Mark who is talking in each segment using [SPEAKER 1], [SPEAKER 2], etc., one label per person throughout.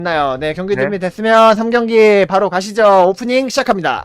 [SPEAKER 1] 나요. 네, 경기
[SPEAKER 2] 네.
[SPEAKER 1] 준비됐으면 3경기 바로 가시죠. 오프닝 시작합니다.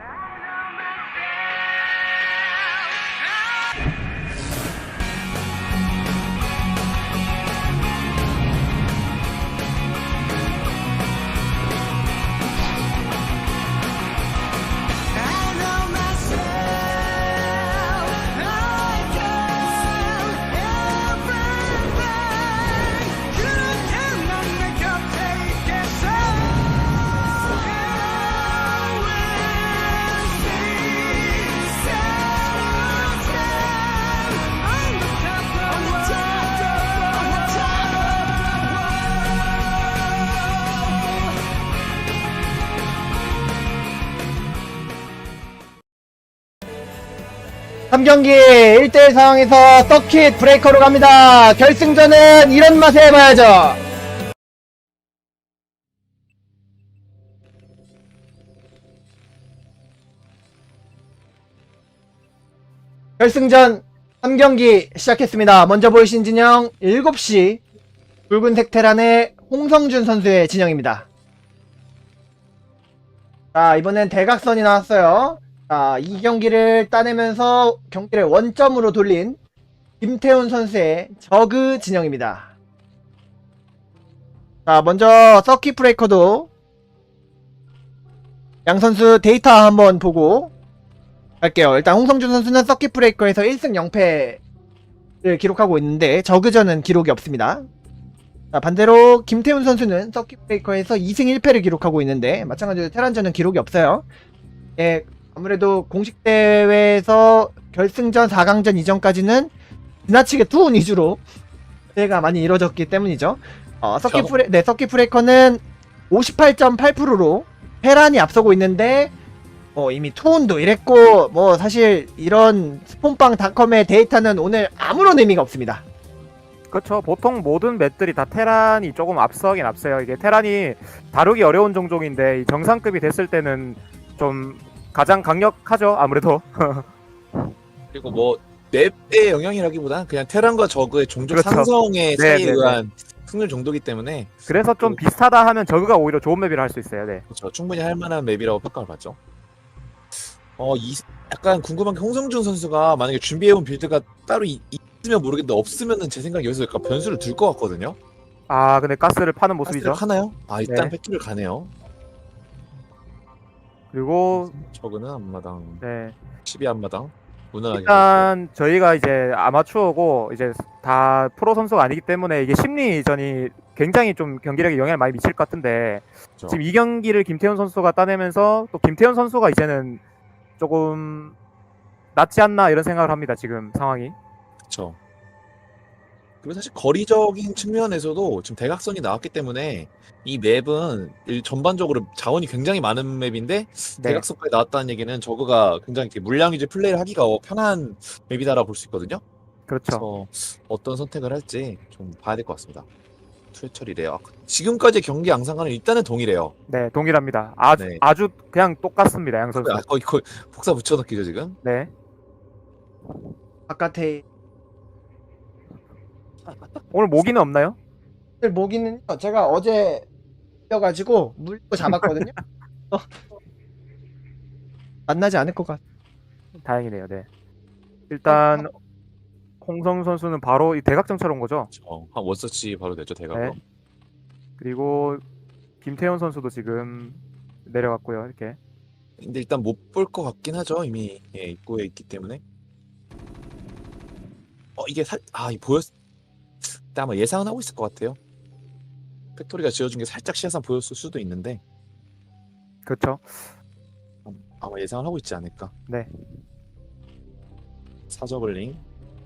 [SPEAKER 1] 삼경기 1대1 상황에서 서킷 브레이커로 갑니다. 결승전은 이런 맛에 해봐야죠. 결승전 3경기 시작했습니다. 먼저 보이신 진영 7시 붉은색 테란의 홍성준 선수의 진영입니다. 자, 이번엔 대각선이 나왔어요. 자, 이 경기를 따내면서 경기를 원점으로 돌린 김태훈 선수의 저그 진영입니다. 자, 먼저 서킷 브레이커도 양 선수 데이터 한번 보고 갈게요. 일단 홍성준 선수는 서킷 브레이커에서 1승 0패를 기록하고 있는데 저그전은 기록이 없습니다. 자, 반대로 김태훈 선수는 서킷 브레이커에서 2승 1패를 기록하고 있는데 마찬가지로 테란전은 기록이 없어요. 예, 아무래도 공식 대회에서 결승전 4강전 이전까지는 지나치게 투혼 위주로 대회가 많이 이루어졌기 때문이죠. 서킷 브레이커는 58.8%로 테란이 앞서고 있는데 이미 투혼도 이랬고 사실 이런 스폰빵닷컴의 데이터는 오늘 아무런 의미가 없습니다.
[SPEAKER 2] 그렇죠. 보통 모든 맵들이 다 테란이 조금 앞서긴 앞서요. 이게 테란이 다루기 어려운 종족인데 이 정상급이 됐을 때는 좀 가장 강력하죠. 아무래도.
[SPEAKER 3] 그리고 뭐 맵의 영향이라기보다는 그냥 테란과 저그의 종족
[SPEAKER 2] 그렇죠.
[SPEAKER 3] 상성의
[SPEAKER 2] 네,
[SPEAKER 3] 차이에
[SPEAKER 2] 네, 네.
[SPEAKER 3] 의한 승률 정도기 때문에
[SPEAKER 2] 그래서 좀 비슷하다 하면 저그가 오히려 좋은 맵이라 할 수 있어요. 네.
[SPEAKER 3] 그렇죠. 충분히 할 만한 맵이라고 평가를 받죠. 약간 궁금한 게 홍성준 선수가 만약에 준비해온 빌드가 따로 있으면 모르겠는데 없으면은 제 생각에 여기서 약간 변수를 둘 것 같거든요.
[SPEAKER 2] 아, 근데 가스를 파는 모습이죠.
[SPEAKER 3] 가스를 하나요? 일단
[SPEAKER 2] 네.
[SPEAKER 3] 팩토리를 가네요.
[SPEAKER 2] 그리고
[SPEAKER 3] 저그는 앞마당,
[SPEAKER 2] 네.
[SPEAKER 3] 12 앞마당 무난하게
[SPEAKER 2] 일단 저희가 이제 아마추어고 이제 다 프로 선수가 아니기 때문에 이게 심리전이 굉장히 좀 경기력에 영향을 많이 미칠 것 같은데
[SPEAKER 3] 그렇죠.
[SPEAKER 2] 지금 이 경기를 김태훈 선수가 따내면서 또 김태훈 선수가 이제는 조금 낫지 않나 이런 생각을 합니다. 지금 상황이.
[SPEAKER 3] 그렇죠. 그리고 사실 거리적인 측면에서도 지금 대각선이 나왔기 때문에 이 맵은 전반적으로 자원이 굉장히 많은 맵인데
[SPEAKER 2] 네.
[SPEAKER 3] 대각선까지 나왔다는 얘기는 저그가 굉장히 이렇게 물량 위주 플레이를 하기가 편한 맵이다라고 볼 수 있거든요.
[SPEAKER 2] 그렇죠.
[SPEAKER 3] 그래서 어떤 선택을 할지 좀 봐야 될 것 같습니다. 투해철이래요. 지금까지 경기 양상과는 일단은 동일해요.
[SPEAKER 2] 네, 동일합니다. 아주
[SPEAKER 3] 네.
[SPEAKER 2] 아주 그냥 똑같습니다. 양 선수.
[SPEAKER 3] 거의 복사 붙여넣기죠 지금.
[SPEAKER 2] 네.
[SPEAKER 1] 바깥에
[SPEAKER 2] 오늘 모기는 없나요?
[SPEAKER 1] 모기는요. 제가 어제 뛰어가지고 물고 잡았거든요. 만나지 않을 것 같아요.
[SPEAKER 2] 다행이네요. 네. 일단 홍성 선수는 바로 이 대각점처럼 온 거죠.
[SPEAKER 3] 한 원서치 바로 되죠 대각으로.
[SPEAKER 2] 네. 그리고 김태현 선수도 지금 내려갔고요. 이렇게.
[SPEAKER 3] 근데 일단 못 볼 것 같긴 하죠. 이미 입구에 있기 때문에. 이게 아마 예상은 하고 있을 것 같아요. 팩토리가 지어준 게 살짝 시야상 보였을 수도 있는데
[SPEAKER 2] 그렇죠.
[SPEAKER 3] 아마 예상을 하고 있지 않을까.
[SPEAKER 2] 네.
[SPEAKER 3] 사저글링.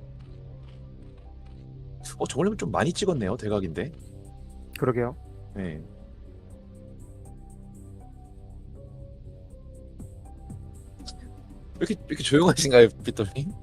[SPEAKER 3] 저글링은 좀 많이 찍었네요. 대각인데.
[SPEAKER 2] 그러게요.
[SPEAKER 3] 네. 이렇게 조용하신가요, 빗돌님?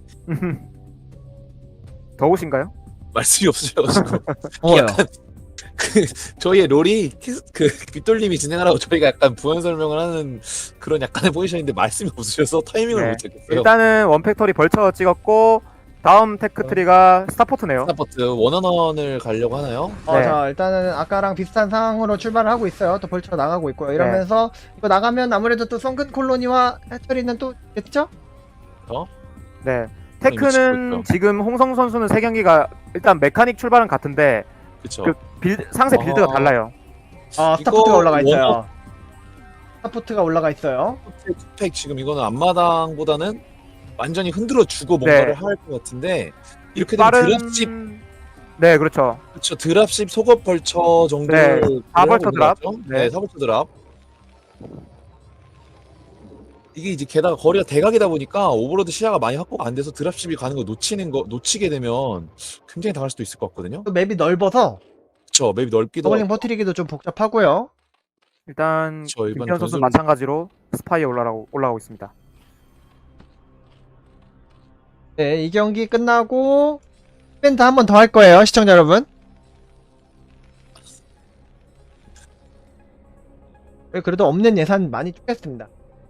[SPEAKER 2] 더우신가요?
[SPEAKER 3] 말씀이 없으셔가지고.
[SPEAKER 1] 더워요.
[SPEAKER 3] 약간 저희의 롤이 빗돌님이 진행하라고 저희가 약간 부연 설명을 하는 그런 약간의 포지션인데 말씀이 없으셔서 타이밍을
[SPEAKER 2] 네.
[SPEAKER 3] 못 찾겠어요.
[SPEAKER 2] 일단은 원팩토리 벌쳐 찍었고 다음 테크트리가 스타포트네요.
[SPEAKER 3] 스타포트 원원원을 가려고 하나요?
[SPEAKER 2] 네.
[SPEAKER 1] 자, 일단은 아까랑 비슷한 상황으로 출발을 하고 있어요. 또 벌처가 나가고 있고요. 이러면서 이거 나가면 아무래도 또 성근 콜로니와 해처리는 또 있겠죠?
[SPEAKER 2] 네.
[SPEAKER 3] 미치고
[SPEAKER 2] 테크는
[SPEAKER 3] 있죠.
[SPEAKER 2] 지금 홍성 선수는 3경기가 일단 메카닉 출발은 같은데
[SPEAKER 3] 그쵸.
[SPEAKER 2] 상세 빌드가
[SPEAKER 3] 어.
[SPEAKER 2] 달라요.
[SPEAKER 1] 아,
[SPEAKER 3] 이거
[SPEAKER 1] 스타포트가 올라가 있어요.
[SPEAKER 3] 원어-
[SPEAKER 1] 스타포트가 올라가 있어요.
[SPEAKER 3] 팩 지금 이거는 앞마당보다는 완전히 흔들어 주고 뭔가를
[SPEAKER 2] 네.
[SPEAKER 3] 할 것 같은데 이렇게 되면
[SPEAKER 2] 빠른
[SPEAKER 3] 드랍십
[SPEAKER 2] 네, 그렇죠.
[SPEAKER 3] 그쵸 드랍십 속업 벌처 정도
[SPEAKER 2] 네, 4벌처 드랍.
[SPEAKER 3] 네,
[SPEAKER 2] 네.
[SPEAKER 3] 4벌처 드랍 이게 이제 게다가 거리가 대각이다 보니까 오버로드 시야가 많이 확보가 안 돼서 드랍십이 가는 거 놓치게 되면 굉장히 당할 수도 있을 것 같거든요.
[SPEAKER 1] 또 맵이 넓어서
[SPEAKER 3] 그쵸 맵이 넓기도
[SPEAKER 1] 저글링
[SPEAKER 3] 하고
[SPEAKER 1] 퍼뜨리기도 좀 복잡하고요.
[SPEAKER 2] 일단
[SPEAKER 3] 그쵸, 일반
[SPEAKER 2] 김태현 선수
[SPEAKER 3] 전술-
[SPEAKER 2] 마찬가지로 스파이에 올라가고 있습니다.
[SPEAKER 1] 네, 이 경기 끝나고 이벤트 한 번 더 할 거예요, 시청자 여러분. 그래도 없는 예산 많이 쪼갰습니다.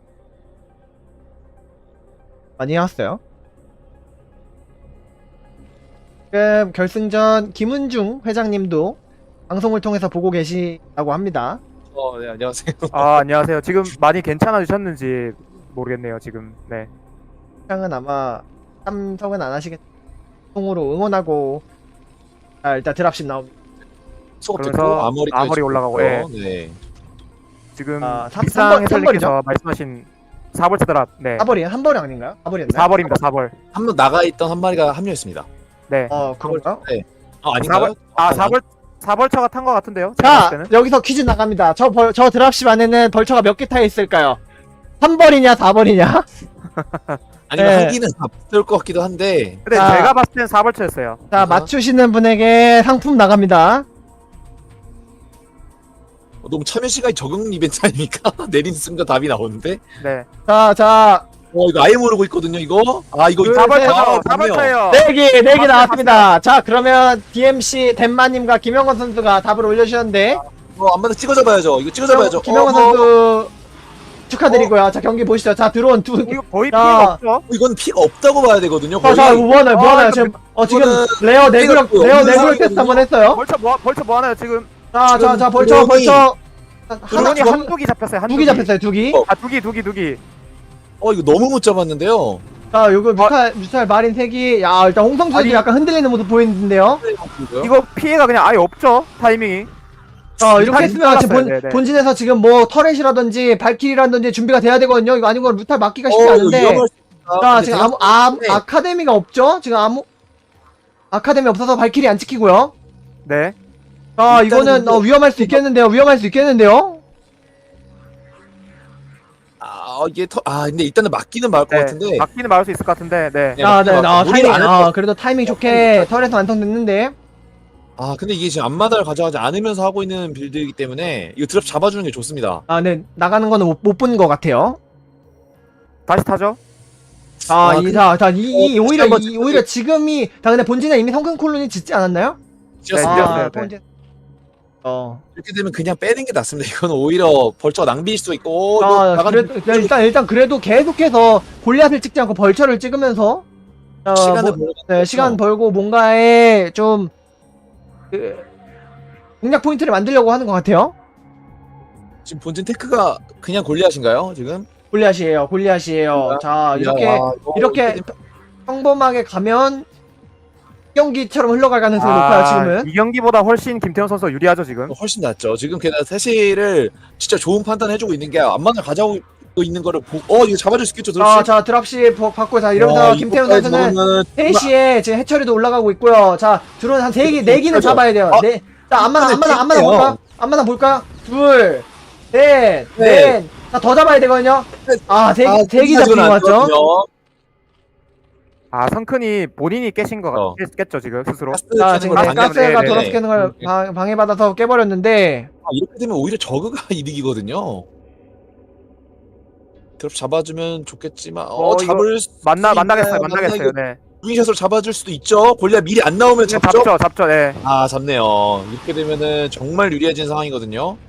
[SPEAKER 1] 많이 해왔어요. 지금 결승전 김은중 회장님도 방송을 통해서 보고 계시다고 합니다.
[SPEAKER 3] 네 안녕하세요.
[SPEAKER 2] 아, 안녕하세요. 지금 많이 괜찮아지셨는지 모르겠네요, 지금. 네.
[SPEAKER 1] 회장은 아마 참석은 안 하시겠. 통으로 응원하고. 자, 일단 드랍십 나옵니다.
[SPEAKER 3] 속업
[SPEAKER 2] 그러면서
[SPEAKER 3] 듣고 아머리까지
[SPEAKER 2] 아머리 올라가고,
[SPEAKER 3] 있고요. 네.
[SPEAKER 2] 지금
[SPEAKER 1] 아,
[SPEAKER 2] 비상
[SPEAKER 1] 3번,
[SPEAKER 2] 해설님께서 말씀하신 4벌 드랍. 네.
[SPEAKER 1] 4벌이 한 벌이 아닌가요? 4벌이었나요?
[SPEAKER 2] 4벌입니다, 4벌.
[SPEAKER 3] 한 명 나가 있던 한 마리가 합류했습니다.
[SPEAKER 2] 네.
[SPEAKER 1] 그런가?
[SPEAKER 3] 아닌가요?
[SPEAKER 2] 아, 4벌처가 탄 것 같은데요? 제가 봤을
[SPEAKER 1] 자,
[SPEAKER 2] 때는.
[SPEAKER 1] 여기서 퀴즈 나갑니다. 저 드랍십 안에는 벌처가 몇 개 타 있을까요? 3벌이냐, 4벌이냐?
[SPEAKER 3] 아니면
[SPEAKER 1] 네.
[SPEAKER 3] 한 기는 다 붙을 것 같기도 한데
[SPEAKER 2] 근데
[SPEAKER 1] 자.
[SPEAKER 2] 제가 봤을 땐 4벌처였어요.
[SPEAKER 1] 자, 맞추시는 분에게 상품 나갑니다.
[SPEAKER 3] 너무 참여 시간이 적응 이벤트 아닙니까? 내린 순간 답이 나오는데
[SPEAKER 2] 네.
[SPEAKER 1] 자,
[SPEAKER 3] 이거 아예 모르고 있거든요 이거 이거
[SPEAKER 1] 둘,
[SPEAKER 2] 4벌처죠.
[SPEAKER 3] 맞네요.
[SPEAKER 2] 4벌처예요.
[SPEAKER 1] 네 개 나왔습니다. 자, 그러면 DMC 덴마님과 김영건 선수가 답을 올려주셨는데,
[SPEAKER 3] 안 맞아 찍어줘봐야죠 이거 찍어줘봐야죠
[SPEAKER 1] 김영건 선수 축하드리고요. 자, 경기 보시죠. 자, 들어온 두.
[SPEAKER 2] 이거 거의
[SPEAKER 1] 자.
[SPEAKER 2] 피해가 없죠?
[SPEAKER 3] 이건 피가 없다고 봐야 되거든요 거의
[SPEAKER 1] 자, 무한해요.
[SPEAKER 2] 이거
[SPEAKER 1] 지금, 지금
[SPEAKER 3] 이거는
[SPEAKER 1] 레어 네그럭
[SPEAKER 3] 피해가 없는
[SPEAKER 1] 테스트
[SPEAKER 3] 상황이거든요.
[SPEAKER 1] 한번 했어요.
[SPEAKER 2] 벌처 뭐 하나요, 지금?
[SPEAKER 1] 자,
[SPEAKER 3] 지금
[SPEAKER 1] 벌처.
[SPEAKER 2] 드론이
[SPEAKER 1] 두
[SPEAKER 2] 한두기 잡혔어요,
[SPEAKER 1] 기 잡혔어요, 두 기.
[SPEAKER 2] 아, 두기.
[SPEAKER 3] 이거 너무 못 잡았는데요
[SPEAKER 1] 자, 요거 뮤탈 마린 3기. 야, 일단 홍성 선수
[SPEAKER 2] 아니.
[SPEAKER 1] 약간 흔들리는 모습 보이는데요.
[SPEAKER 2] 이거 피해가 그냥 아예 없죠, 타이밍이.
[SPEAKER 1] 이렇게
[SPEAKER 2] 뮤탈이
[SPEAKER 1] 했으면 지금
[SPEAKER 2] 들어갔어요. 네네.
[SPEAKER 1] 본진에서 지금 뭐 터렛이라든지 발키리라든지 준비가 돼야 되거든요. 이거 아니면 뮤탈 막기가 쉽지
[SPEAKER 3] 이거
[SPEAKER 1] 않은데.
[SPEAKER 3] 위험할 수 있다.
[SPEAKER 1] 자,
[SPEAKER 3] 근데
[SPEAKER 1] 지금
[SPEAKER 3] 대략-
[SPEAKER 1] 아카데미가 없죠? 지금 아카데미 없어서 발키리 안 찍히고요.
[SPEAKER 2] 네.
[SPEAKER 1] 자,
[SPEAKER 3] 일단은
[SPEAKER 1] 이거는
[SPEAKER 3] 근데-
[SPEAKER 1] 위험할 수 있겠는데요.
[SPEAKER 3] 이게 근데 일단은 맞기는 맞을 것
[SPEAKER 2] 네.
[SPEAKER 3] 같은데
[SPEAKER 2] 막기는 막을 수 있을 것 같은데, 네.
[SPEAKER 3] 네,
[SPEAKER 1] 자, 네,
[SPEAKER 3] 맞다. 무리를 안 했다.
[SPEAKER 1] 그래도 타이밍 좋게 터렛 완성됐는데.
[SPEAKER 3] 근데 이게 지금 앞마다를 가져가지 않으면서 하고 있는 빌드이기 때문에 이거 드랍 잡아주는 게 좋습니다
[SPEAKER 1] 네, 나가는 거는 못 본 것 같아요.
[SPEAKER 2] 다시 타죠?
[SPEAKER 1] 오히려 지금이, 근데 본진에 이미 성큰 콜론이 짓지 않았나요?
[SPEAKER 3] 지었습니다.
[SPEAKER 2] 지었어요. 네.
[SPEAKER 1] 본진.
[SPEAKER 3] 이렇게 되면 그냥 빼는 게 낫습니다. 이건 오히려 벌처가 낭비일 수도 있고 이거 나가는
[SPEAKER 1] 일단 그래도 계속해서 골리앗을 찍지 않고 벌처를 찍으면서
[SPEAKER 3] 시간을 벌고
[SPEAKER 1] 시간 벌고 뭔가에 좀 공략 포인트를 만들려고 하는 것 같아요.
[SPEAKER 3] 지금 본진 테크가 그냥 골리앗인가요? 지금?
[SPEAKER 1] 골리앗이에요. 자, 이렇게 평범하게 가면 경기처럼 흘러갈 가능성이 높아요. 지금은.
[SPEAKER 2] 이 경기보다 훨씬 김태현 선수가 유리하죠, 지금.
[SPEAKER 3] 훨씬 낫죠. 지금 게다가 세시를 진짜 좋은 판단 해주고 있는 게 앞만을 가져오고 있는 거를 이거 잡아줄 수 있겠죠,
[SPEAKER 1] 자, 드랍시 받고, 이러면서 김태훈 선수는 3시에 지금 해처리도 올라가고 있고요. 자, 드론 한 4기는 잡아야 돼요. 자, 앞마당 볼까요? 둘, 넷. 자, 더 잡아야 되거든요. 3기 잡힌 거 같죠?
[SPEAKER 2] 성큰이 본인이 깨신 거 깼죠, 지금, 스스로.
[SPEAKER 1] 자, 지금 가스가
[SPEAKER 2] 네,
[SPEAKER 1] 돌아서 깨는 걸 방해받아서 깨버렸는데.
[SPEAKER 3] 이렇게 되면 오히려 저그가 이득이거든요. 드랍 잡아주면 좋겠지만 잡을
[SPEAKER 2] 만나겠어요, 네.
[SPEAKER 3] 윙샷으로 잡아줄 수도 있죠. 골리앗 미리 안 나오면 잡죠.
[SPEAKER 2] 잡죠, 네.
[SPEAKER 3] 잡네요. 이렇게 되면은 정말 유리해진 상황이거든요.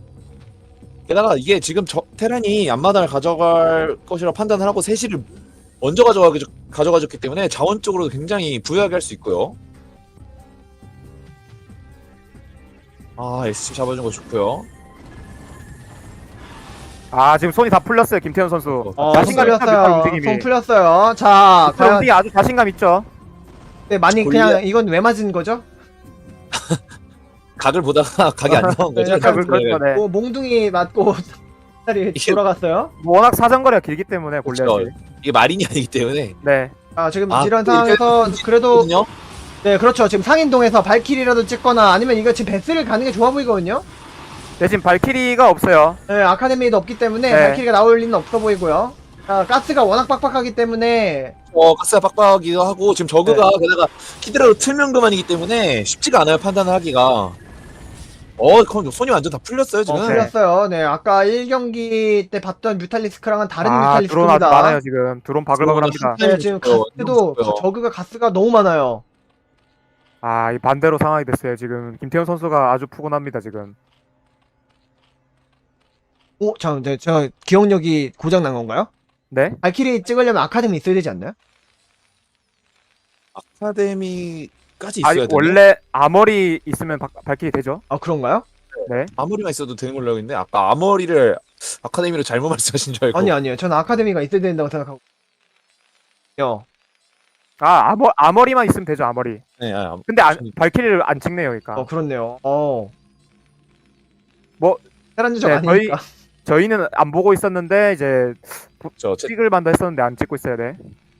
[SPEAKER 3] 게다가 이게 지금 테란이 앞마당을 가져갈 것이라 판단을 하고 세시를 먼저 가져가줬기 때문에 자원적으로도 굉장히 부유하게 할 수 있고요. 아, SC 잡아준 거 좋고요.
[SPEAKER 2] 아 지금 손이 다 풀렸어요 김태현 선수.
[SPEAKER 3] 어,
[SPEAKER 1] 손
[SPEAKER 2] 자신감 있죠 뮤탈
[SPEAKER 1] 풀렸어요.
[SPEAKER 2] 움직임이.
[SPEAKER 1] 손 풀렸어요. 자,
[SPEAKER 2] 뮤탈
[SPEAKER 1] 과연
[SPEAKER 2] 움직임 아주 자신감 있죠.
[SPEAKER 1] 네, 많이
[SPEAKER 3] 골리앗-
[SPEAKER 1] 그냥 이건 왜 맞은 거죠?
[SPEAKER 3] 각을 보다가 각이 안 나온 거죠.
[SPEAKER 1] 약간
[SPEAKER 2] 그렇죠. 네.
[SPEAKER 1] 뭐 몽둥이 맞고 다리
[SPEAKER 3] 이게-
[SPEAKER 1] 돌아갔어요.
[SPEAKER 2] 워낙 사정거리가 길기 때문에 골리앗이.
[SPEAKER 3] 그렇죠. 이게 마린이 아니기 때문에.
[SPEAKER 2] 네.
[SPEAKER 1] 아, 지금
[SPEAKER 3] 아,
[SPEAKER 1] 이런
[SPEAKER 3] 또
[SPEAKER 1] 상황에서
[SPEAKER 3] 이렇게
[SPEAKER 1] 그래도
[SPEAKER 3] 거든요.
[SPEAKER 1] 네, 그렇죠. 지금 상인동에서 발키리라도 찍거나 아니면 이거 지금 베스를 가는 게 좋아 보이거든요.
[SPEAKER 2] 대신 발키리가 없어요.
[SPEAKER 1] 네, 아카데미도 없기 때문에
[SPEAKER 2] 네.
[SPEAKER 1] 발키리가 나올 리는 없어 보이고요. 자, 가스가 워낙 빡빡하기 때문에
[SPEAKER 3] 가스가 빡빡하기도 하고 지금 저그가 게다가 히드라로 틀면 그만이기 때문에 쉽지가 않아요 판단을 하기가. 그럼 손이 완전 다 풀렸어요 지금.
[SPEAKER 1] 풀렸어요. 네, 아까 1경기 때 봤던 뮤탈리스크랑은 다른
[SPEAKER 2] 드론 아주
[SPEAKER 1] 뮤탈리스크입니다.
[SPEAKER 2] 많아요 지금. 드론 바글바글합니다.
[SPEAKER 1] 네, 지금 가스도
[SPEAKER 3] 좋고요.
[SPEAKER 1] 저그가 가스가 너무 많아요.
[SPEAKER 2] 아, 이 반대로 상황이 됐어요 지금. 김태현 선수가 아주 푸근합니다 지금.
[SPEAKER 1] 자, 네, 제가 기억력이 고장 난 건가요?
[SPEAKER 2] 네?
[SPEAKER 1] 발키리 찍으려면 아카데미 있어야 되지 않나요?
[SPEAKER 3] 아카데미까지
[SPEAKER 2] 아,
[SPEAKER 3] 있어야 돼요.
[SPEAKER 2] 원래 아머리 있으면 발키리 되죠?
[SPEAKER 1] 아, 그런가요?
[SPEAKER 2] 네.
[SPEAKER 3] 아머리만 있어도 되는 걸로 알고 있는데 아까 아머리를 아카데미로 잘못 말씀하신 줄 알고.
[SPEAKER 1] 아니요. 저는 아카데미가 있어야 된다고 생각하고.
[SPEAKER 2] 아, 아머리만 있으면 되죠 아머리.
[SPEAKER 3] 네,
[SPEAKER 2] 근데 발키리를 안 찍네요 그러니까.
[SPEAKER 1] 그렇네요.
[SPEAKER 2] 뭐,
[SPEAKER 1] 테란 유적
[SPEAKER 2] 네,
[SPEAKER 1] 아니니까.
[SPEAKER 2] 저희는 안 보고 있었는데 이제
[SPEAKER 3] 제
[SPEAKER 2] 찍을 만도 했었는데 안 찍고 있어야 돼.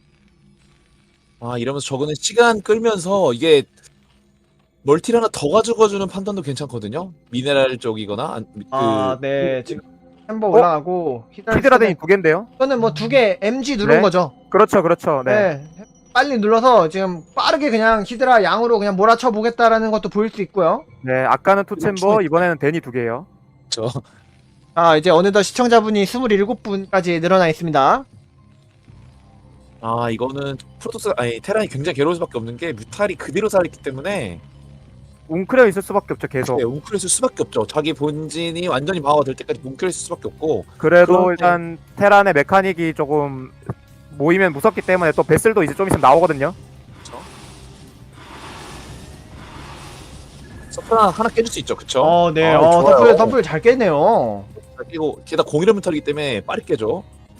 [SPEAKER 3] 이러면서 저거는 시간 끌면서 이게 멀티를 하나 더 가져가주는 판단도 괜찮거든요. 미네랄 쪽이거나
[SPEAKER 1] 네. 지금 햄버 올라가고
[SPEAKER 2] 히드라덴이 2개인데요?
[SPEAKER 1] 저는 뭐 2개 MG 누른
[SPEAKER 2] 네.
[SPEAKER 1] 거죠.
[SPEAKER 2] 그렇죠. 네.
[SPEAKER 1] 네. 빨리 눌러서 지금 빠르게 그냥 히드라 양으로 그냥 몰아쳐 보겠다라는 것도 보일 수 있고요.
[SPEAKER 2] 네, 아까는 투챔버, 이번에는 데니 2개예요.
[SPEAKER 3] 그렇죠.
[SPEAKER 1] 이제 어느덧 시청자분이 27분까지 늘어나 있습니다.
[SPEAKER 3] 이거는 테란이 굉장히 괴로울 수밖에 없는 게 뮤탈이 그대로 살아있기 때문에
[SPEAKER 2] 웅크려 있을 수밖에 없죠 계속.
[SPEAKER 3] 네, 웅크릴 수밖에 없죠. 자기 본진이 완전히 방어가 될 때까지 웅크릴 수밖에 없고.
[SPEAKER 2] 그래도
[SPEAKER 3] 그런데-
[SPEAKER 2] 일단 테란의 메카닉이 조금 모이면 무섭기 때문에 또 베슬도 이제 좀 있으면 나오거든요.
[SPEAKER 3] 그렇죠. 서플 하나 깨줄 수 있죠, 그쵸?
[SPEAKER 1] 네.
[SPEAKER 3] 좋아요.
[SPEAKER 1] 덤플 잘 깼네요.
[SPEAKER 3] 그리고 게다가 공이런 뮤탈이기 때문에 빠르게 깨죠.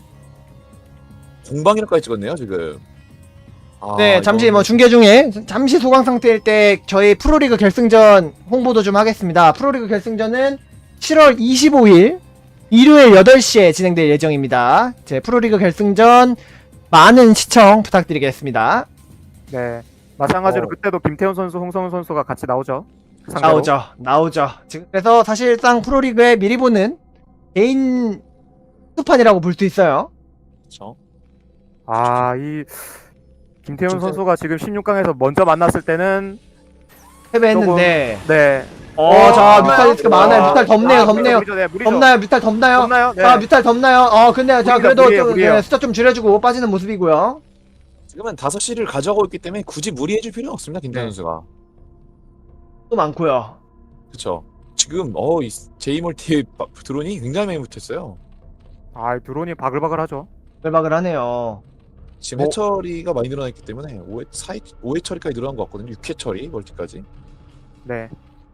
[SPEAKER 3] 공방이라까지 찍었네요, 지금.
[SPEAKER 1] 네, 잠시 뭐 중계 중에 잠시 소강 상태일 때 저희 프로리그 결승전 홍보도 좀 하겠습니다. 프로리그 결승전은 7월 25일 일요일 8시에 진행될 예정입니다. 제 프로리그 결승전 많은 시청 부탁드리겠습니다.
[SPEAKER 2] 네. 마찬가지로
[SPEAKER 3] 어.
[SPEAKER 2] 그때도 김태훈 선수, 홍성훈 선수가 같이 나오죠. 상대로.
[SPEAKER 1] 나오죠. 지금 그래서 사실상 프로리그에 미리 보는 개인 수판이라고 볼 수 있어요.
[SPEAKER 3] 그렇죠.
[SPEAKER 2] 이 김태훈 선수가 지금 16강에서 먼저 만났을 때는
[SPEAKER 1] 패배했는데
[SPEAKER 2] 네.
[SPEAKER 1] 자, 뮤탈리스크가 많아요. 뮤탈 덥네요.
[SPEAKER 2] 무리죠, 네, 무리죠.
[SPEAKER 1] 덥나요? 뮤탈 덥나요?
[SPEAKER 2] 덥나요? 네.
[SPEAKER 1] 자, 뮤탈 덥나요? 근데 자,
[SPEAKER 2] 무리가
[SPEAKER 1] 그래도
[SPEAKER 2] 무리예요,
[SPEAKER 1] 좀
[SPEAKER 2] 무리예요.
[SPEAKER 1] 숫자 좀 줄여주고 빠지는 모습이고요.
[SPEAKER 3] 지금은 5시를 가져가고 있기 때문에 굳이 무리해줄 필요는 없습니다, 김태현
[SPEAKER 2] 네.
[SPEAKER 3] 선수가.
[SPEAKER 1] 또 많고요.
[SPEAKER 3] 그렇죠. 지금 이 제이멀티 드론이 굉장히 많이 붙었어요.
[SPEAKER 2] 드론이 바글바글하죠.
[SPEAKER 1] 외박을 하네요.
[SPEAKER 3] 지금
[SPEAKER 2] 어.
[SPEAKER 3] 해처리가 많이 늘어났기 때문에 5회 처리까지 늘어난 것 같거든요. 6회 처리 멀티까지.
[SPEAKER 2] 네.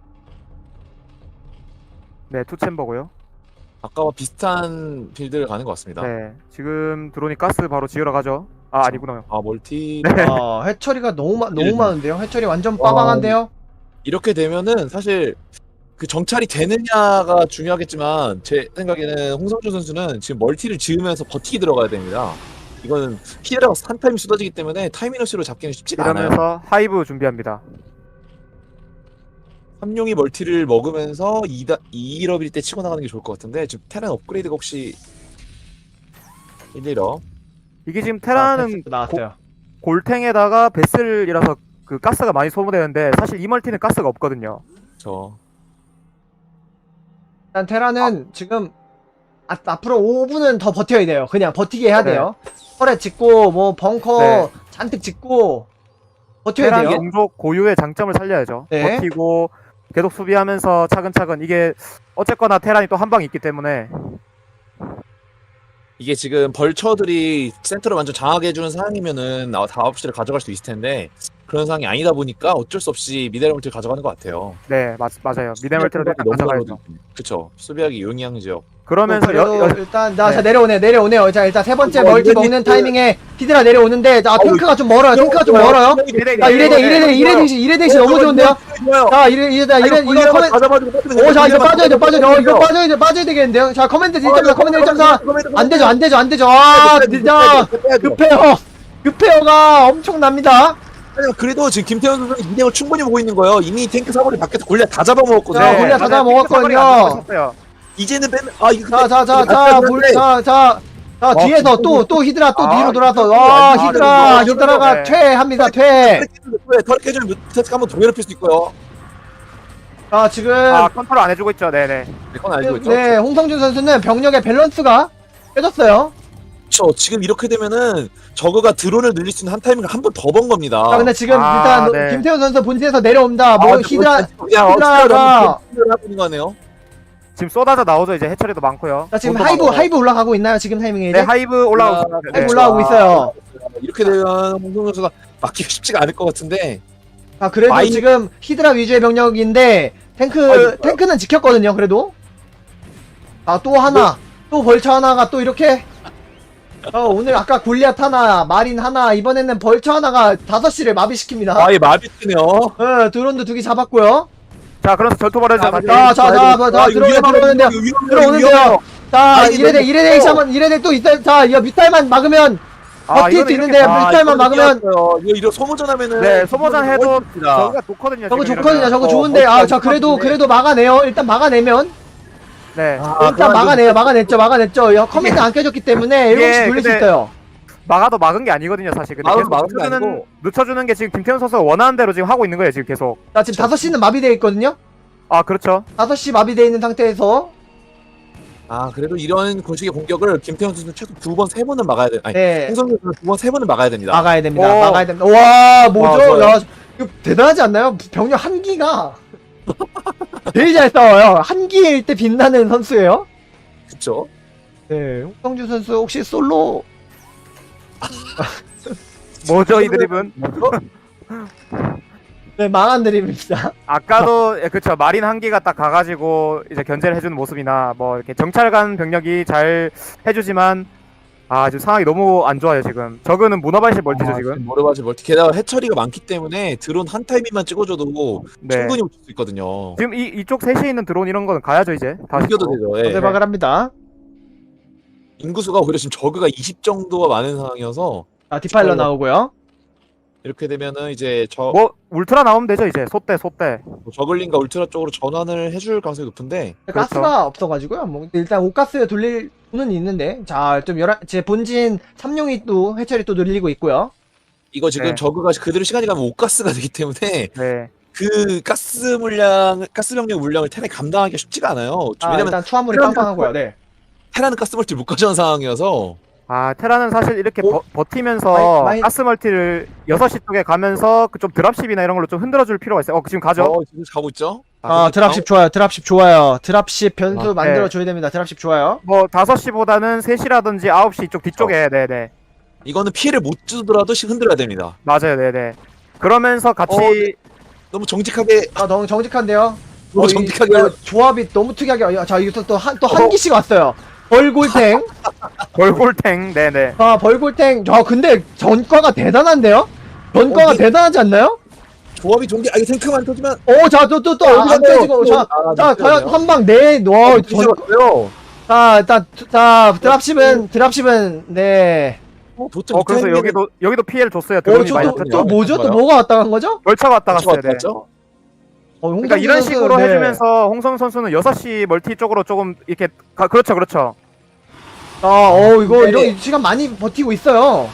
[SPEAKER 2] 네, 투챔버고요.
[SPEAKER 3] 아까와 비슷한 빌드를 가는 것 같습니다.
[SPEAKER 2] 네. 지금 드론이 가스 바로 지으러 가죠. 아니구나.
[SPEAKER 3] 멀티
[SPEAKER 2] 네.
[SPEAKER 1] 해처리가 너무
[SPEAKER 3] 네.
[SPEAKER 1] 많은데요. 해처리 완전 빠방한데요.
[SPEAKER 3] 이렇게 되면은 사실 그 정찰이 되느냐가 중요하겠지만 제 생각에는 홍성준 선수는 지금 멀티를 지으면서 버티기 들어가야 됩니다. 이거는 히드라가 한 타임 쏟아지기 때문에 타이밍러시로 잡기는 쉽지가 않아요.
[SPEAKER 2] 이러면서 하이브 준비합니다.
[SPEAKER 3] 삼룡이 멀티를 먹으면서 2일업일 때 치고 나가는 게 좋을 것 같은데 지금 테란 업그레이드가 혹시 1일업
[SPEAKER 2] 이게 지금 테라는
[SPEAKER 1] 패스 나왔어요.
[SPEAKER 2] 골탱에다가 베슬이라서 그 가스가 많이 소모되는데 사실 이 멀티는 가스가 없거든요.
[SPEAKER 3] 저
[SPEAKER 1] 일단 테라는 지금 앞으로 5분은 더 버텨야 돼요. 그냥 버티게 해야
[SPEAKER 2] 네.
[SPEAKER 1] 돼요. 터렛 짓고 뭐 벙커
[SPEAKER 2] 네.
[SPEAKER 1] 잔뜩 짓고 버텨야
[SPEAKER 2] 테란
[SPEAKER 1] 돼요.
[SPEAKER 2] 종족 고유의 장점을 살려야죠.
[SPEAKER 1] 네.
[SPEAKER 2] 버티고 계속 수비하면서 차근차근 이게 어쨌거나 테란이 또 한 방이 있기 때문에
[SPEAKER 3] 이게 지금 벌처들이 센터를 완전 장악해 주는 상황이면은 다 9시를 가져갈 수 있을 텐데 그런 상황이 아니다 보니까 어쩔 수 없이 미네랄 멀티를 가져가는 것 같아요.
[SPEAKER 2] 네, 맞아요. 미네멀티를 일단 가져가야죠.
[SPEAKER 3] 그쵸. 수비하기 용이한 지역.
[SPEAKER 2] 그러면서
[SPEAKER 1] 그래도 일단 자
[SPEAKER 2] 네.
[SPEAKER 1] 내려오네요. 자 일단 세 번째 멀티
[SPEAKER 3] 이래도
[SPEAKER 1] 먹는
[SPEAKER 3] 있고.
[SPEAKER 1] 타이밍에 히드라 내려오는데 자 탱크가 좀 멀어요. 탱크가 좀 멀어요. 자 이레데이시 너무 좋은데요.
[SPEAKER 3] 좋아요.
[SPEAKER 1] 자 이거 커맨 오자 이거 빠져야 되겠는데요. 자 커맨드 1.4 커맨드 1.4 안 되죠. 아 진짜 급해요가 엄청납니다.
[SPEAKER 3] 그래도 지금 김태현 선수는 2대5 충분히 보고 있는 거예요. 이미 탱크 사거리 밖에서 골리앗 다 잡아먹었거든요.
[SPEAKER 1] 자, 골리앗 다 잡아먹었거든요.
[SPEAKER 3] 이제는 빼면 이거
[SPEAKER 1] 자 뒤에서 또 히드라 또 뒤로 돌아서 와 히드라가 퇴합니다. 퇴.
[SPEAKER 3] 털 깨주면 뮤테스 한번 더 괴롭힐 수 있고요.
[SPEAKER 1] 자 지금
[SPEAKER 2] 컨트롤 안 해주고 있죠. 네네.
[SPEAKER 3] 그건 알고 있죠.
[SPEAKER 1] 네 홍성준 선수는 병력의 밸런스가 깨졌어요.
[SPEAKER 3] 그렇죠. 지금 이렇게 되면은 저그가 드론을 늘릴 수 있는 한 타이밍을 한 번 더 번 겁니다.
[SPEAKER 1] 자 근데 지금
[SPEAKER 2] 아,
[SPEAKER 1] 일단
[SPEAKER 2] 네.
[SPEAKER 1] 김태훈 선수 본진에서 내려옵니다. 뭐 히드라가
[SPEAKER 3] 히드라가 하고 있는 거네요.
[SPEAKER 2] 지금 쏟아져 나오죠. 이제 해처리도 많고요.
[SPEAKER 1] 자 지금 하이브 올라가고 있나요? 지금 타이밍에 이제
[SPEAKER 2] 네, 하이브 올라오고 있어요. 네.
[SPEAKER 1] 하이브 올라가고 있어요.
[SPEAKER 3] 이렇게 되면 홍성 선수가 막기가 쉽지가 않을 것 같은데.
[SPEAKER 1] 자 그래도 지금 히드라 위주의 병력인데 탱크는 지켰거든요. 그래도 또 하나 또 벌처 하나가 또 이렇게 오늘 아까 골리앗 하나 마린 하나 이번에는 벌처 하나가 5시를 마비시킵니다.
[SPEAKER 3] 예, 마비트네요.
[SPEAKER 1] 드론도 2개 잡았고요.
[SPEAKER 2] 자, 그래서 전투 벌어져.
[SPEAKER 1] 들어오는데요. 자 이레데 또 있어요. 자 이거 뮤탈만 막으면 버틸 수 있는데 뮤탈만 막으면
[SPEAKER 3] 이거 소모전하면은
[SPEAKER 2] 네, 소모전 해도 저거가 좋거든요.
[SPEAKER 1] 저거
[SPEAKER 2] 지금
[SPEAKER 1] 좋거든요.
[SPEAKER 2] 이러면.
[SPEAKER 1] 저거 좋은데 자 그래도 막아내요. 일단 막아내면
[SPEAKER 2] 네.
[SPEAKER 1] 일단 막아냈죠. 커맨드 안 깨졌기 때문에 7시 돌릴 수
[SPEAKER 2] 근데
[SPEAKER 1] 있어요.
[SPEAKER 2] 막아도 막은 게 아니거든요, 사실. 근데
[SPEAKER 3] 막아도
[SPEAKER 2] 계속
[SPEAKER 3] 막은 게 아니고.
[SPEAKER 2] 늦춰주는 게 지금 김태현 선수가 원하는 대로 지금 하고 있는 거예요, 지금 계속.
[SPEAKER 1] 자 지금 5시는 마비되어 있거든요.
[SPEAKER 2] 아, 그렇죠.
[SPEAKER 1] 5시 마비되어 있는 상태에서
[SPEAKER 3] 그래도 이런 공식의 공격을 김태현 선수는 최소 2번, 3번은 막아야 돼. 아니,
[SPEAKER 1] 네
[SPEAKER 3] 홍성 선수는 2번, 3번은 막아야 됩니다.
[SPEAKER 1] 막아야 됩니다.
[SPEAKER 2] 오.
[SPEAKER 1] 막아야 됩니다. 와 뭐죠?
[SPEAKER 3] 좋아요.
[SPEAKER 1] 야 이거 대단하지 않나요? 병력 한기가 제일 잘 싸워요. 한기일 때 빛나는 선수예요.
[SPEAKER 3] 그쵸?
[SPEAKER 1] 네 홍성주 선수 혹시 솔로
[SPEAKER 2] 뭐죠, 이 드립은?
[SPEAKER 1] 네 망한 드립입니다.
[SPEAKER 2] 아까도, 그쵸. 마린 한기가 딱 가가지고 이제 견제를 해주는 모습이나, 뭐, 이렇게 정찰관 병력이 잘 해주지만, 지금 상황이 너무 안 좋아요, 지금. 저거는 문어발실 멀티죠, 지금.
[SPEAKER 3] 모르바지 멀티. 게다가 해처리가 많기 때문에 드론 한 타이밍만 찍어줘도
[SPEAKER 2] 네.
[SPEAKER 3] 충분히 붙일 수 있거든요.
[SPEAKER 2] 지금 이쪽 셋이 있는 드론 이런 거는 가야죠, 이제. 다시.
[SPEAKER 3] 이겨도 되죠. 예.
[SPEAKER 1] 대박을 합니다.
[SPEAKER 3] 인구수가 오히려 지금 저그가 20 정도가 많은 상황이어서
[SPEAKER 1] 자 디파일러 나오고요.
[SPEAKER 3] 이렇게 되면은 이제
[SPEAKER 2] 뭐, 울트라 나오면 되죠, 이제. 소대.
[SPEAKER 3] 저글링과 울트라 쪽으로 전환을 해줄 가능성이 높은데
[SPEAKER 2] 그렇죠.
[SPEAKER 1] 가스가 없어가지고요. 뭐 일단 옷가스 돌릴 수는 있는데 자좀 제 본진 참용이 또 해철이 또 늘리고 있고요.
[SPEAKER 3] 이거 지금
[SPEAKER 2] 네.
[SPEAKER 3] 저그가 그대로 시간이 가면 옷가스가 되기 때문에
[SPEAKER 2] 네.
[SPEAKER 3] 그 가스 병력 물량을 테란이 감당하기가 쉽지가 않아요. 왜냐면
[SPEAKER 1] 일단 투하물이
[SPEAKER 3] 테란
[SPEAKER 1] 빵빵하고요. 네.
[SPEAKER 3] 테란은 가스 멀티 못 가져온 상황이어서
[SPEAKER 2] 테라는 사실 이렇게 버티면서 가스 멀티를 6시 쪽에 가면서 그 좀 드랍십이나 이런 걸로 좀 흔들어줄 필요가 있어요. 지금 가죠?
[SPEAKER 3] 지금 가고 있죠.
[SPEAKER 1] 드랍십 좋아요. 드랍십 좋아요. 드랍십 변수
[SPEAKER 2] 네.
[SPEAKER 1] 만들어줘야 됩니다. 드랍십 좋아요.
[SPEAKER 2] 뭐 5시보다는 3시라든지 9시 쪽 뒤쪽에 네네
[SPEAKER 3] 이거는 피해를 못 주더라도 흔들어야 됩니다.
[SPEAKER 2] 맞아요. 네네 그러면서 같이
[SPEAKER 3] 너무 정직하게
[SPEAKER 1] 너무 정직한데요.
[SPEAKER 3] 너무 정직하게
[SPEAKER 1] 조합이 너무 특이하게. 자 이거 또 한 기씩 왔어요. 벌골탱.
[SPEAKER 2] 골골탱 네네
[SPEAKER 1] 벌골탱. 근데 전과가 대단한데요? 전과가 대단하지 않나요?
[SPEAKER 3] 조합이 좋은 게 이거 탱크만 터지면
[SPEAKER 1] 안 깨지고. 자 과연 한방 자 드랍십은 네.
[SPEAKER 2] 그래서 여기도 피해를 줬어요. 드론이 많이
[SPEAKER 1] 또 뭐죠? 또 뭐가 왔다 간 거죠?
[SPEAKER 2] 벌처가 왔다 갔어요. 네.
[SPEAKER 1] 그러니까
[SPEAKER 2] 이런 식으로 해주면서 홍성 선수는 6시 멀티 쪽으로 조금 이렇게 그렇죠.
[SPEAKER 1] 이거 이런 시간 많이 버티고 있어요.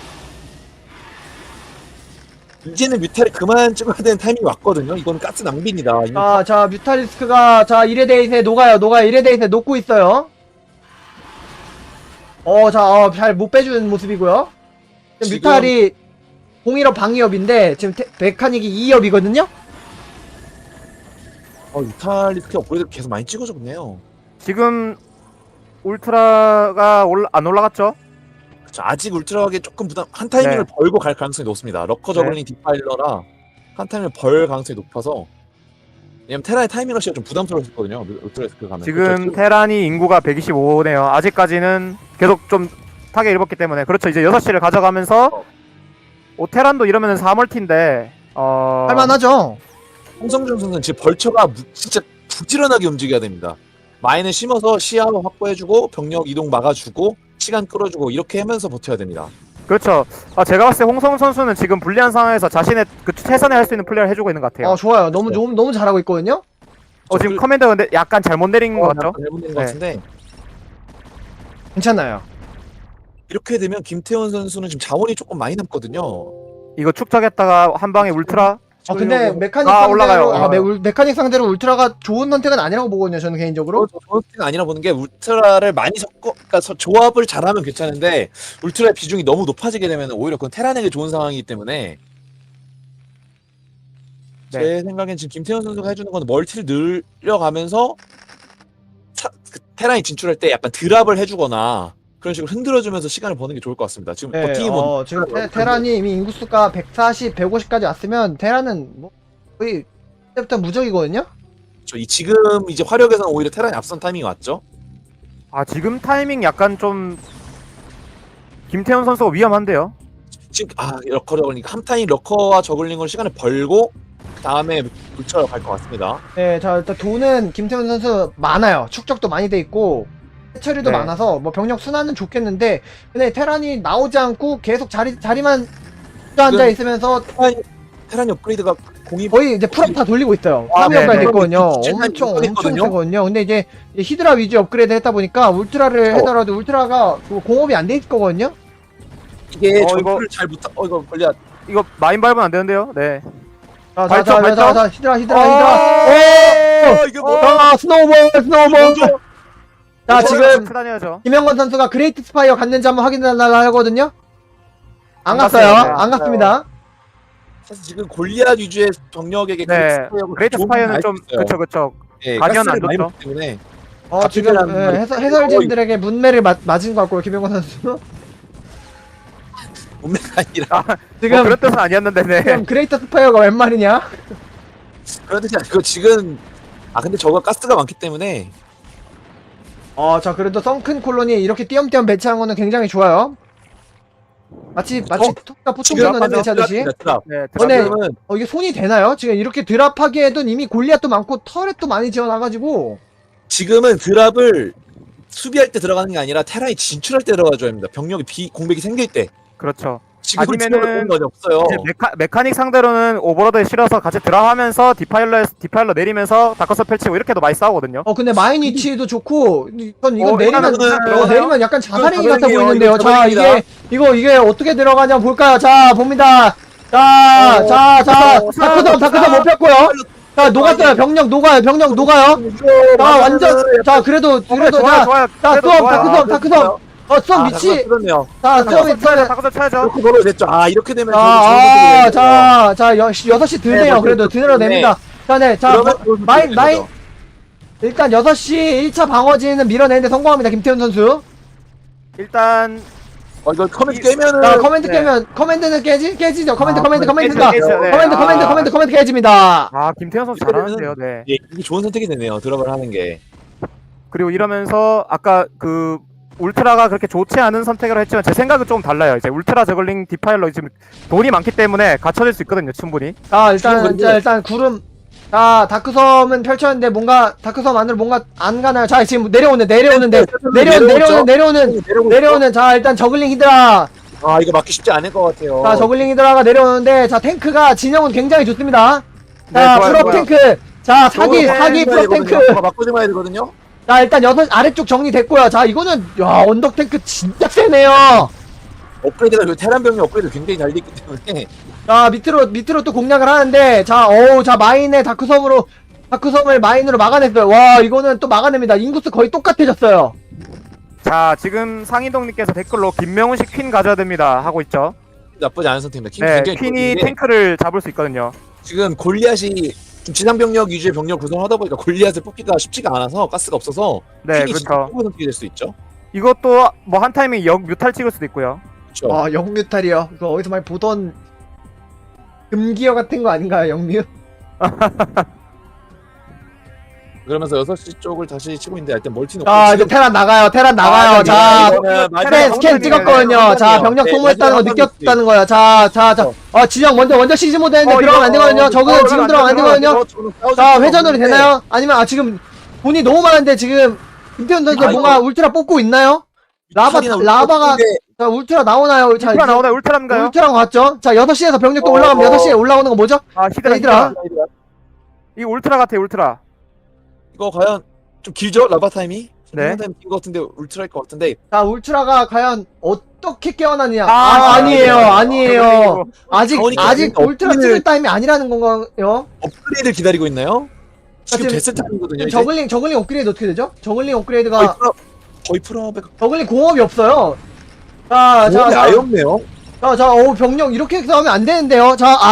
[SPEAKER 3] 이제는 뮤탈이 그만 찍어야 되는 타이밍이 왔거든요. 이건 가스 낭비입니다.
[SPEAKER 1] 자 뮤탈리스크가 이레데이트에 녹아요. 이레데이트에 녹고 있어요. 잘 못 빼주는 모습이고요. 지금 뮤탈이 01업 방위업인데 지금 메카닉이 2업이거든요.
[SPEAKER 3] 뮤탈 리스크 업그레이드 계속 많이 찍어줬네요.
[SPEAKER 2] 지금 울트라가 안 올라갔죠?
[SPEAKER 3] 그렇죠. 아직 울트라하게 조금 부담 한 타이밍을
[SPEAKER 2] 네.
[SPEAKER 3] 벌고 갈 가능성이 높습니다. 러커 저글링 디파일러라 한 타이밍을 벌 가능성이 높아서 왜냐면 테라의 타이밍 러시가 좀 부담스러웠거든요. 울트라스크 가면
[SPEAKER 2] 지금
[SPEAKER 3] 그렇죠.
[SPEAKER 2] 테란이 인구가 125네요. 아직까지는 계속 좀 타겟 입었기 때문에 그렇죠. 이제 6시를 가져가면서 테란도 이러면은 4멀티인데
[SPEAKER 1] 할만하죠.
[SPEAKER 3] 홍성준 선수는 지금 벌처가 진짜 부지런하게 움직여야 됩니다. 마인을 심어서 시야 확보해주고 병력 이동 막아주고 시간 끌어주고 이렇게 하면서 버텨야 됩니다.
[SPEAKER 2] 그렇죠. 제가 봤을 때 홍성 선수는 지금 불리한 상황에서 자신의 그 최선에 할 수 있는 플레이를 해주고 있는 것 같아요.
[SPEAKER 1] 좋아요. 너무 잘하고 있거든요.
[SPEAKER 2] 지금 커맨더 근데 약간 잘못 내린 것 같죠?
[SPEAKER 3] 잘못된 것
[SPEAKER 2] 네.
[SPEAKER 3] 같은데
[SPEAKER 1] 괜찮아요.
[SPEAKER 3] 이렇게 되면 김태원 선수는 지금 자원이 조금 많이 남거든요.
[SPEAKER 2] 이거 축적했다가 한 방에 울트라.
[SPEAKER 1] 근데 메카닉
[SPEAKER 2] 올라가요.
[SPEAKER 1] 상대로 메카닉 상대로 울트라가 좋은 선택은 아니라고 보거든요. 저는 개인적으로.
[SPEAKER 3] 저는 아니라 보는 게 울트라를 많이 그러니까 조합을 잘하면 괜찮은데 울트라의 비중이 너무 높아지게 되면 오히려 그건 테란에게 좋은 상황이기 때문에 제 생각엔 지금 김태현 선수가 해주는 건 멀티를 늘려가면서 그 테란이 진출할 때 약간 드랍을 해주거나 그런 식으로 흔들어주면서 시간을 버는 게 좋을 것 같습니다. 지금
[SPEAKER 1] 네,
[SPEAKER 3] 버티기만
[SPEAKER 1] 지금 테란이 이미 인구수가 140, 150까지 왔으면 테란은 뭐 거의 그때부터 무적이거든요.
[SPEAKER 3] 지금 이제 화력에서는 오히려 테란이 앞선 타이밍이 왔죠.
[SPEAKER 2] 지금 타이밍 약간 좀 김태현 선수가 위험한데요.
[SPEAKER 3] 지금 러커 저글링 한 타임 러커와 저글링으로 시간을 벌고 그 다음에 물처럼 갈 것 같습니다.
[SPEAKER 1] 네, 자 일단 돈은 김태훈 선수 많아요. 축적도 많이 돼 있고 해처리도
[SPEAKER 2] 네.
[SPEAKER 1] 많아서 뭐 병력 순환은 좋겠는데 근데 테란이 나오지 않고 계속 자리만 앉아 있으면서
[SPEAKER 3] 테란이 업그레이드가 공이
[SPEAKER 1] 거의 이제 풀업 다 돌리고 있어요.
[SPEAKER 3] 아,
[SPEAKER 1] 3위 업그레이드
[SPEAKER 2] 네,
[SPEAKER 1] 됐거든요.
[SPEAKER 3] 엄청
[SPEAKER 1] 엄청
[SPEAKER 3] 했거든요.
[SPEAKER 1] 세거든요. 근데 이제 히드라 위주 업그레이드 했다 보니까 울트라를 하더라도 울트라가 공업이 안 돼 있을 거거든요.
[SPEAKER 3] 이게
[SPEAKER 2] 이거-
[SPEAKER 3] 전투를 잘 못하. 이거 걸려.
[SPEAKER 2] 이거 마인 밟으면 안 되는데요. 네.
[SPEAKER 1] 자,
[SPEAKER 2] 발전.
[SPEAKER 1] 히드라.
[SPEAKER 3] 이게 뭐?
[SPEAKER 1] 스노우볼. 자, 지금
[SPEAKER 2] 다녀야죠.
[SPEAKER 1] 김영건 선수가 그레이트 스파이어 갔는지 한번 확인하려고 하거든요. 안 갔어요.
[SPEAKER 2] 갔어요.
[SPEAKER 1] 안 갔습니다.
[SPEAKER 3] 사실 지금 골리앗 위주의 병력에게
[SPEAKER 2] 네. 그레이트 스파이어는 좀 그쵸.
[SPEAKER 3] 예,
[SPEAKER 2] 가디언
[SPEAKER 3] 가스를
[SPEAKER 2] 안
[SPEAKER 3] 많이
[SPEAKER 2] 줬죠.
[SPEAKER 3] 먹기 때문에
[SPEAKER 1] 지금
[SPEAKER 3] 갑질이라는 말이
[SPEAKER 1] 해설진들에게 문매를 맞은 것 같고요. 김영건 선수.
[SPEAKER 3] 몸매가 아니라
[SPEAKER 1] 지금
[SPEAKER 2] 그런 뜻은 아니었는데 네.
[SPEAKER 1] 지금 그레이트 스파이어가 웬 말이냐?
[SPEAKER 3] 그런 뜻이 아니고 지금 근데 저거 가스가 많기 때문에
[SPEAKER 1] 자 그래도 썬큰 콜론이 이렇게 띄엄띄엄 배치한 거는 굉장히 좋아요. 마치 토끼가 포통전을 배치하듯이.
[SPEAKER 3] 드랍.
[SPEAKER 2] 네.
[SPEAKER 1] 근데
[SPEAKER 3] 지금은
[SPEAKER 1] 이게 손이 되나요? 지금 이렇게 드랍하기에도 이미 골리앗도 많고 터렛도 많이 지어놔가지고
[SPEAKER 3] 지금은 드랍을 수비할 때 들어가는 게 아니라 테란이 진출할 때 들어가줘야 합니다. 병력이 공백이 생길 때.
[SPEAKER 2] 그렇죠.
[SPEAKER 3] 지금
[SPEAKER 2] 아니면은
[SPEAKER 3] 드랍을 건 없어요.
[SPEAKER 2] 이제 메카닉 상대로는 오버로드에 실어서 같이 드랍하면서 디파일러 내리면서 다커서 펼치고 이렇게도 많이 싸우거든요.
[SPEAKER 1] 근데 마인 위치도 좋고 이건 내리면
[SPEAKER 3] 이거는
[SPEAKER 1] 내리면 약간 자살행위 같아
[SPEAKER 3] 자살행위예요.
[SPEAKER 1] 보이는데요.
[SPEAKER 3] 이거
[SPEAKER 1] 자
[SPEAKER 3] 자살행위다.
[SPEAKER 1] 이게 어떻게 들어가냐 볼까요? 자 봅니다. 자 다크섬 못 폈고요. 자 녹았어요. 병력 녹아요. 자 완전 자 그래도
[SPEAKER 2] 좋아요.
[SPEAKER 1] 자
[SPEAKER 2] 그래도
[SPEAKER 1] 수업
[SPEAKER 2] 좋아요.
[SPEAKER 1] 다크섬 수업 위치
[SPEAKER 3] 그렇네요.
[SPEAKER 1] 자 수업이
[SPEAKER 2] 다커서 쳐야죠.
[SPEAKER 3] 이렇게 걸어 됐죠. 이렇게 되면
[SPEAKER 1] 자 6시 드네요. 그래도 드러냅니다. 자 마인 일단 6시 1차 방어진은 밀어내는데 성공합니다. 김태훈 선수.
[SPEAKER 2] 일단
[SPEAKER 3] 이거 커맨드 깨면은
[SPEAKER 1] 자 커맨드는 깨지죠. 커맨드가
[SPEAKER 2] 깨지죠. 네.
[SPEAKER 1] 커맨드 깨집니다.
[SPEAKER 2] 김태현 선수 잘하는데요. 네.
[SPEAKER 3] 예, 이게 좋은 선택이 되네요. 드랍을 하는 게.
[SPEAKER 2] 그리고 이러면서 아까 그 울트라가 그렇게 좋지 않은 선택을 했지만 제 생각은 조금 달라요. 이제 울트라 저글링 디파일러 지금 돈이 많기 때문에 갖춰질 수 있거든요. 충분히.
[SPEAKER 1] 자 일단 구름 다크섬은 펼쳤는데 뭔가 다크섬 안으로 뭔가 안 가나요? 자 지금 내려오는 자 일단 저글링 히드라
[SPEAKER 3] 이거 맞기 쉽지 않을 것 같아요.
[SPEAKER 1] 자 저글링 히드라가 내려오는데 자 탱크가 진영은 굉장히 좋습니다.
[SPEAKER 2] 네,
[SPEAKER 1] 자
[SPEAKER 2] 좋아요,
[SPEAKER 1] 풀업
[SPEAKER 2] 좋아요.
[SPEAKER 1] 탱크 자 사기 풀업 탱크
[SPEAKER 3] 맞고 좀 해야 되거든요.
[SPEAKER 1] 자 일단 아래쪽 정리됐고요. 자 이거는 언덕 탱크 진짜 세네요.
[SPEAKER 3] 업그레이드가 그 테란 병력 업그레이드 굉장히 잘 돼 있기 때문에
[SPEAKER 1] 자 밑으로 또 공략을 하는데 자 마인의 다크섬을 마인으로 막아냈어요. 와 이거는 또 막아냅니다. 인구수 거의 똑같아졌어요.
[SPEAKER 2] 자 지금 상인동님께서 댓글로 김명훈식 퀸 가져야 됩니다 하고 있죠.
[SPEAKER 3] 나쁘지 않은 선택입니다. 퀸
[SPEAKER 2] 네,
[SPEAKER 3] 굉장히
[SPEAKER 2] 퀸이
[SPEAKER 3] 좋은데
[SPEAKER 2] 탱크를 잡을 수 있거든요.
[SPEAKER 3] 지금 골리앗이 좀 지상 병력 위주의 병력 구성을 하다 보니까 골리앗을 뽑기가 쉽지가 않아서 가스가 없어서
[SPEAKER 2] 네,
[SPEAKER 3] 퀸이 진짜
[SPEAKER 2] 그렇죠.
[SPEAKER 3] 뽑아놓게 될 수 있죠.
[SPEAKER 2] 이것도 뭐 한 타이밍 역 뮤탈 찍을 수도 있고요.
[SPEAKER 3] 그렇죠.
[SPEAKER 1] 아 영뮤탈이요. 이거 어디서 많이 보던 금기어 같은 거 아닌가요, 영뮤?
[SPEAKER 3] 그러면서 6시 쪽을 다시 치고 있는데 일단 멀티 놓고
[SPEAKER 1] 자 이제 테란 나가요. 테란 나가요. 자 스캔 찍었거든요. 자 병력 소모했다는 거 느꼈다는 거야. 자. 진영 먼저 시즈 모드 했는데 들어가면 안 되거든요. 저거는 지금 들어가면 안 되거든요. 자 회전으로 되나요? 아니면 지금 돈이 너무 많은데 지금 김태훈 선수 뭔가 울트라 뽑고 있나요? 라바가 자 울트라 나오나요? 자
[SPEAKER 2] 울트라 나오나요? 울트라인가요?
[SPEAKER 1] 울트라 갔죠? 자 6시에서 병력도 올라가면 6시에 올라오는 거 뭐죠?
[SPEAKER 2] 아 히드라.
[SPEAKER 1] 히드라.
[SPEAKER 2] 이 울트라 같아요. 울트라.
[SPEAKER 3] 이거 과연 좀 길죠? 라바 타임이?
[SPEAKER 2] 네.
[SPEAKER 3] 타임 긴것 같은데 울트라일 것 같은데
[SPEAKER 1] 자 울트라가 과연 어떻게 깨어나느냐?
[SPEAKER 2] 아,
[SPEAKER 1] 아니에요. 아직
[SPEAKER 3] 그러니까
[SPEAKER 1] 울트라 찍을 타임이 아니라는 건가요?
[SPEAKER 3] 업그레이드를 기다리고 있나요? 지금
[SPEAKER 1] 지금
[SPEAKER 3] 됐을 타임이거든요. 이제.
[SPEAKER 1] 저글링 업그레이드 어떻게 되죠? 저글링 업그레이드가
[SPEAKER 3] 거의 풀업에
[SPEAKER 1] 저글링 공업이 없어요. 자,
[SPEAKER 3] 아예 없네요.
[SPEAKER 1] 병력 이렇게 싸우면 안 되는데요.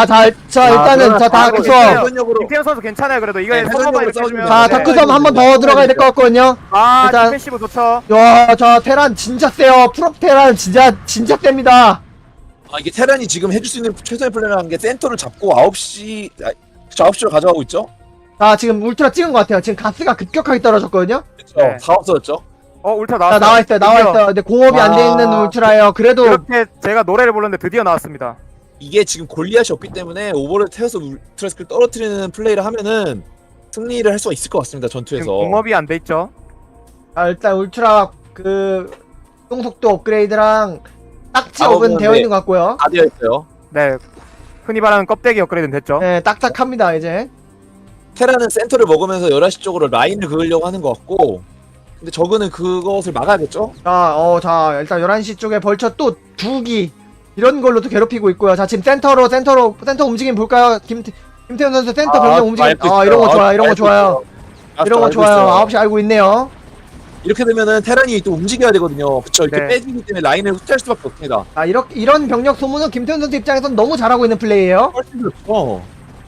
[SPEAKER 1] 일단은 다크섬.
[SPEAKER 2] 김태현 선수 괜찮아요. 그래도 이거 서버가 이렇게 해주면.
[SPEAKER 1] 자, 다크섬 한 번 더 들어가야 될 것 같거든요.
[SPEAKER 2] 아,
[SPEAKER 1] 일단-
[SPEAKER 2] 디펜시브 좋죠.
[SPEAKER 1] 테란 진짜 세요. 프롭 테란 진짜 셉니다.
[SPEAKER 3] 이게 테란이 지금 해줄 수 있는 최선의 플랜을 한 게 센터를 잡고 9시 9시로 가져가고 있죠.
[SPEAKER 1] 자, 지금 울트라 찍은 것 같아요. 지금 가스가 급격하게 떨어졌거든요.
[SPEAKER 3] 그렇죠.
[SPEAKER 2] 네.
[SPEAKER 3] 다 없어졌죠.
[SPEAKER 2] 울트라
[SPEAKER 1] 자,
[SPEAKER 2] 나왔어요.
[SPEAKER 1] 나와 있어요. 근데 공업이 안 돼 있는 울트라예요. 그래도
[SPEAKER 2] 이렇게 제가 노래를 부르는데 드디어 나왔습니다.
[SPEAKER 3] 이게 지금 골리앗이 없기 때문에 오버를 태워서 울트라스킬 떨어뜨리는 플레이를 하면은 승리를 할 수가 있을 것 같습니다.
[SPEAKER 2] 지금
[SPEAKER 3] 전투에서.
[SPEAKER 2] 공업이 안 돼 있죠.
[SPEAKER 1] 일단 울트라 이동 속도 업그레이드랑 딱지업은 되어 있는 것 같고요.
[SPEAKER 3] 다 되어 있어요.
[SPEAKER 2] 네. 흔히 말하는 껍데기 업그레이드는 됐죠.
[SPEAKER 1] 네, 딱딱합니다 이제.
[SPEAKER 3] 테라는 센터를 먹으면서 11시 쪽으로 라인을 그으려고 하는 것 같고, 근데 저그는 그것을 막아야겠죠?
[SPEAKER 1] 자, 일단 11시 쪽에 벌처 또 2기 이런 걸로 또 괴롭히고 있고요. 자, 지금 센터 움직임 볼까요? 김태훈 선수 센터 병력 움직임. 이런 거 좋아요. 이런 거 좋아요. 이런 거 좋아요. 9시 알고 있네요.
[SPEAKER 3] 이렇게 되면은 테란이 또 움직여야 되거든요. 그쵸? 이렇게
[SPEAKER 2] 네.
[SPEAKER 3] 빼지기 때문에 라인을 후퇴할 수밖에 없습니다.
[SPEAKER 1] 이런 병력 소모는 김태훈 선수 입장에서는 너무 잘하고 있는 플레이예요.
[SPEAKER 3] 훨씬 좋죠.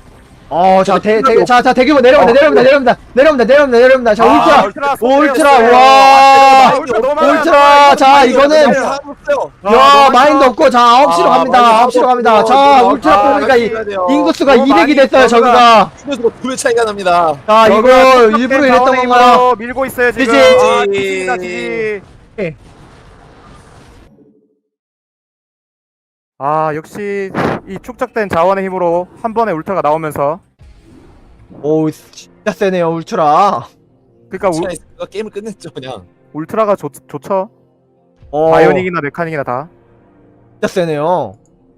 [SPEAKER 1] 대규모 내려옵니다. 자, 울트라,
[SPEAKER 2] 와.
[SPEAKER 1] 울트라. 자, 이거는 마인드 없고 자, 9시로 갑니다. 자, 울트라 뽑으니까 인구수가 200이 됐어요, 저거가.
[SPEAKER 3] 인구수가 2배 차이가 납니다.
[SPEAKER 1] 자, 이거 일부러 이랬던 건가요?
[SPEAKER 2] 밀고 있어요 지금.
[SPEAKER 1] 지지.
[SPEAKER 2] 지지. 역시 이 축적된 자원의 힘으로 한 번에 울트라가 나오면서
[SPEAKER 1] 오, 진짜 세네요, 울트라.
[SPEAKER 2] 그러니까
[SPEAKER 3] 차이가 게임을 끝냈죠, 그냥.
[SPEAKER 2] 울트라가 좋죠. 바이오닉이나 메카닉이나 다.
[SPEAKER 1] 진짜 세네요.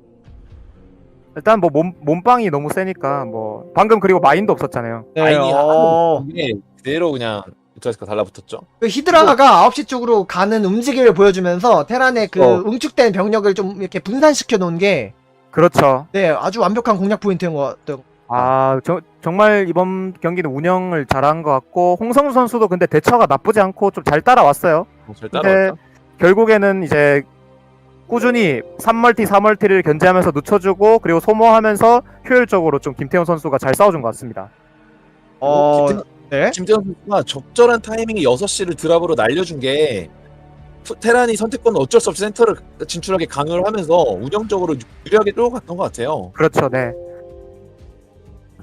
[SPEAKER 2] 일단 뭐 몸빵이 너무 세니까 뭐 방금 그리고 마인도 없었잖아요.
[SPEAKER 1] 네,
[SPEAKER 3] 라인이 이게 그대로 그냥 우트라스가 달라붙었죠.
[SPEAKER 1] 그 히드라가 9시 쪽으로 가는 움직임을 보여주면서 테란의 응축된 병력을 좀 이렇게 분산시켜 놓은 게
[SPEAKER 2] 그렇죠.
[SPEAKER 1] 아주 완벽한 공략 포인트인 것 같아요.
[SPEAKER 2] 정말 이번 경기는 운영을 잘한 것 같고 홍성수 선수도 근데 대처가 나쁘지 않고 좀 잘 따라왔어요.
[SPEAKER 3] 잘
[SPEAKER 2] 근데
[SPEAKER 3] 따라왔죠.
[SPEAKER 2] 결국에는 이제 꾸준히 3멀티, 4멀티를 견제하면서 늦춰주고 그리고 소모하면서 효율적으로 좀 김태훈 선수가 잘 싸워준 것 같습니다.
[SPEAKER 1] 네.
[SPEAKER 3] 김태현 선수가 적절한 타이밍에 6시를 드랍으로 날려준 게 테란이 선택권은 어쩔 수 없이 센터를 진출하게 강요를 하면서 운영적으로 유리하게 끌고 갔던 것 같아요.
[SPEAKER 2] 그렇죠, 네.